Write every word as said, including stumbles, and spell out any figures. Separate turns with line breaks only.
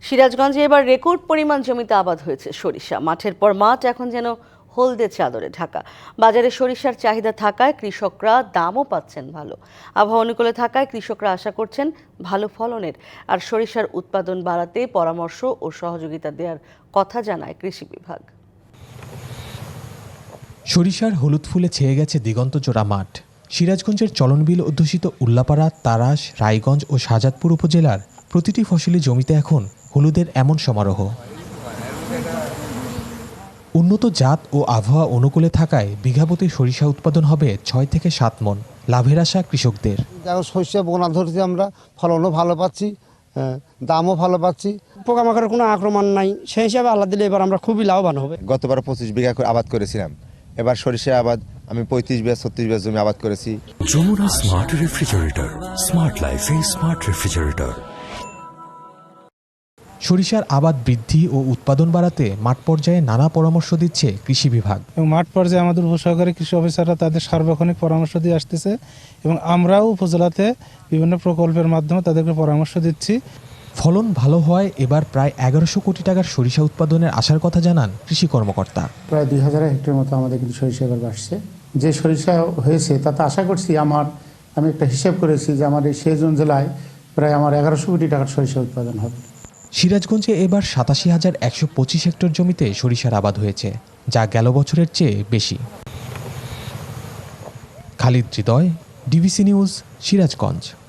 সিরাজগঞ্জে এবার রেকর্ড পরিমাণ জমিতে আবাদ হয়েছে সরিষা। মাঠের পর মাঠ এখন যেন হলদে চাদরে ঢাকা। বাজারে সরিষার চাহিদা থাকায় কৃষকরা দামও পাচ্ছেন ভালো। আবহাওয়া অনুকূলে থাকায় কৃষকরা আশা করছেন ভালো ফলনের। আর সরিষার উৎপাদন বাড়াতে পরামর্শ ও সহযোগিতা দেওয়ার কথা জানায় কৃষি বিভাগ।
সরিষার হলুদ ফুলে ছেয়ে গেছে দিগন্তজোড়া মাঠ। সিরাজগঞ্জের চলনবিল অধ্যুষিত উল্লাপাড়া, তারাস, রায়গঞ্জ ও শাহজাদপুর উপজেলার প্রতিটি ফসলি জমিতে এখন হলুদের এমন সমারোহ। উন্নত জাত ও আবহাওয়া অনুকূলে থাকায় বিঘাপতি সরিষা উৎপাদন হবে ছয় থেকে সাত মন। লাভের আশা কৃষকদের।
শস্য বোনা ধরছি, আমরা ফলনও ভালো পাচ্ছি, দামও ভালো পাচ্ছি,
পোকামাকড়ের কোনো আক্রমণ নাই, সেই হিসাবে আল্লাহ দিলে এবার আমরা খুবই লাভবান হবে।
গতবার পঁচিশ বিঘা করে আবাদ করেছিলাম, এবার সরিষা আবাদ আমি পঁয়ত্রিশ বিঘা ছত্রিশ বিঘা জমি আবাদ করেছি।
যমুনা স্মার্ট রেফ্রিজারেটর, স্মার্ট লাইফে স্মার্ট রেফ্রিজারেটর।
সরিষার আবাদ বৃদ্ধি ও উৎপাদন বাড়াতে মাঠ পর্যায়ে নানা পরামর্শ দিচ্ছে কৃষি বিভাগ।
এবং মাঠ পর্যায়ে আমাদের উপসহকারী কৃষি অফিসাররা তাদের সার্বক্ষণিক পরামর্শ দিয়ে আসতেছে এবং আমরাও উপজেলাতে বিভিন্ন প্রকল্পের মাধ্যমে তাদেরকে পরামর্শ দিচ্ছি।
ফলন ভালো হয় এবার প্রায় এগারোশো কোটি টাকার সরিষা উৎপাদনের আশার কথা জানান কৃষি কর্মকর্তা।
প্রায় দুই হাজার হেক্টর মতো আমাদের কিন্তু সরিষা এবার বাড়ছে। যে সরিষা হয়েছে তাতে আশা করছি, আমার আমি একটা হিসাব করেছি যে আমার এই সেজুন জেলায় প্রায় আমার এগারোশো কোটি টাকার সরিষা উৎপাদন হবে।
সিরাজগঞ্জে এবার সাতাশি হাজার একশো পঁচিশ হেক্টর জমিতে সরিষার আবাদ হয়েছে, যা গেল বছরের চেয়ে বেশি। Khalid Hridoy, DBC news, Sirajganj.